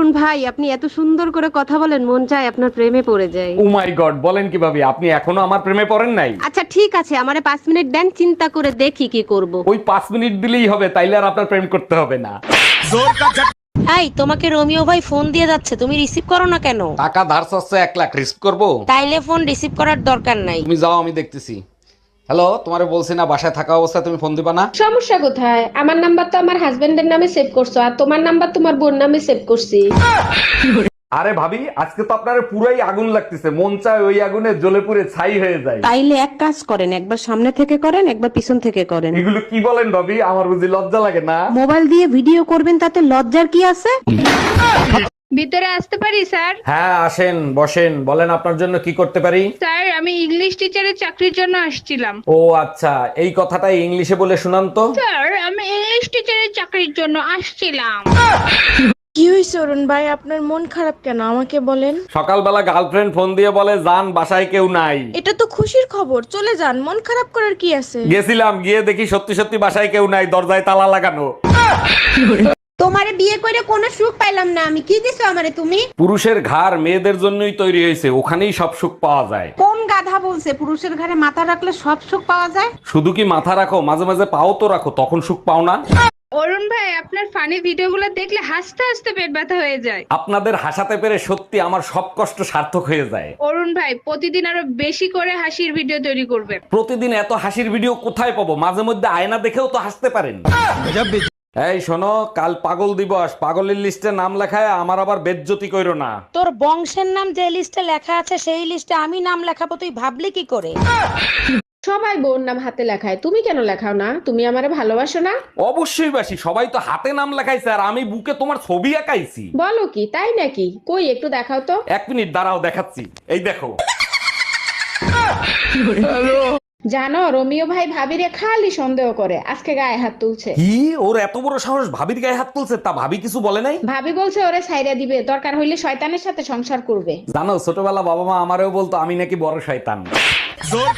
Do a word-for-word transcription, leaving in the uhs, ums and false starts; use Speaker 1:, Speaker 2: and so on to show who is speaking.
Speaker 1: অরুণ ভাই, আপনি এত সুন্দর করে কথা বলেন, মন চায় আপনার প্রেমে পড়ে যায়।
Speaker 2: ও মাই গড, বলেন কিভাবে? আপনি এখনো আমার প্রেমে পড়েন নাই?
Speaker 1: আচ্ছা ঠিক আছে, আমারে পাঁচ মিনিট দেন, চিন্তা করে দেখি কি করব।
Speaker 2: ওই পাঁচ মিনিট দিলেই হবে, তাইলে আর আপনার প্রেম করতে হবে না।
Speaker 3: এই তোমাকে রোমিও ভাই ফোন দিয়ে যাচ্ছে, তুমি রিসিভ করো না কেন?
Speaker 2: টাকা ধার চাচ্ছে, এক লাখ রিস্ক করবো?
Speaker 3: তাইলে ফোন রিসিভ করার দরকার নাই।
Speaker 2: তুমি যাও, আমি দেখতেছি। হ্যালো, তোমারে বলছি না বাসায় থাকা অবস্থায় তুমি ফোন দিবা না?
Speaker 4: সমস্যা কোথায়? আমার নাম্বার তো আমার হাজবেন্ডের নামে সেভ করছো, আর তোমার নাম্বার তোমার বোন নামে সেভ করছি।
Speaker 2: আরে ভাবি, আজকে তো আপনার পুরাই আগুন লাগতেছে, মন চায় ওই আগুনে জ্বলে পুড়ে ছাই হয়ে যায়।
Speaker 1: তাইলে এক কাজ করেন, একবার সামনে থেকে করেন, একবার পিছন থেকে করেন।
Speaker 2: এগুলো কি বলেন ভাবি? আমার বুঝি লজ্জা লাগে না?
Speaker 1: মোবাইল দিয়ে ভিডিও করবেন, তাতে লজ্জার কি আছে?
Speaker 5: ভিতরে আসতে পারি স্যার?
Speaker 2: হ্যাঁ আসেন, বসেন, বলেন আপনার জন্য কি করতে পারি।
Speaker 5: স্যার আমি ইংলিশ টিচারের চাকরির জন্য আসছিলাম।
Speaker 2: ও আচ্ছা, এই কথাটা ইংলিশে বলে শুনান তো।
Speaker 5: স্যার আমি ইংলিশ টিচারের চাকরির জন্য আসছিলাম।
Speaker 6: কি হয়েছে অরুণ ভাই, আপনার মন খারাপ কেন আমাকে বলেন?
Speaker 2: সকালবেলা গার্লফ্রেন্ড ফোন দিয়ে বলে যান বাসায় কেউ নাই।
Speaker 6: এটা তো খুশির খবর, চলে যান, মন খারাপ করার কি আছে?
Speaker 2: গেছিলাম, গিয়ে দেখি সত্যি সত্যি বাসায় কেউ নাই, দরজায় তালা লাগানো।
Speaker 1: তোমারে বিয়ে করে কোনো সুখ পাইলাম না আমি, কি দিছো আমারে তুমি?
Speaker 2: পুরুষের ঘাড় মেয়েদের জন্যই তৈরি হয়েছে, ওখানেই সব সুখ পাওয়া যায়।
Speaker 1: কোন গাধা বলছে পুরুষের ঘরে মাথা রাখলে সব সুখ পাওয়া যায়?
Speaker 2: শুধু কি মাথা রাখো, মাঝে মাঝে পাও তো রাখো, তখন সুখ পাও না?
Speaker 5: অরুণ ভাই আপনার ফানি ভিডিওগুলো দেখলে হাসতে হাসতে পেট ব্যথা হয়ে যায়।
Speaker 2: আপনাদের হাসাতে পেরে সত্যি আমার সব কষ্ট সার্থক হয়ে যায়।
Speaker 5: অরুণ ভাই প্রতিদিন আরো বেশি করে হাসির ভিডিও তৈরি করবেন।
Speaker 2: প্রতিদিন এত হাসির ভিডিও কোথায় পাবো? মাঝে মধ্যে আয়না দেখেও তো হাসতে পারেন। এই শোনো, কাল পাগল দিবস, পাগলের লিস্টে নাম লেখায় আমার আবার বেজ্জতি কইরো না।
Speaker 3: তোর বংশের নাম যে লিস্টে লেখা আছে সেই লিস্টে আমি নাম লেখাবো, তুই ভাবলি কি করে?
Speaker 4: সবাই বোন নাম হাতে লেখায়, তুমি কেন লেখাও না? তুমি আমারে ভালোবাসো না?
Speaker 2: অবশ্যই বাসি, সবাই তো হাতে নাম লেখাইছে আর আমি বুকে তোমার ছবি আঁকাইছি।
Speaker 4: বলো কি, তাই নাকি? কই একটু দেখাও তো।
Speaker 2: এক মিনিট দাঁড়াও, দেখাচ্ছি, এই দেখো।
Speaker 4: জানো রোমিও ভাই ভাবিরে খালি সন্দেহ করে, আজকে গায়ে হাত তুলছে।
Speaker 2: কি, ওর এত বড় সাহস ভাবির গায়ে হাত তুলছে? তা ভাবি কিছু বলে নাই?
Speaker 4: ভাবি বলছে ওরে ছাইরা দিবে, দরকার হইলে শয়তানের সাথে সংসার করবে।
Speaker 2: জানো, ছোটবেলা বাবা মা আমারেও বলতো আমি নাকি বড় শয়তান।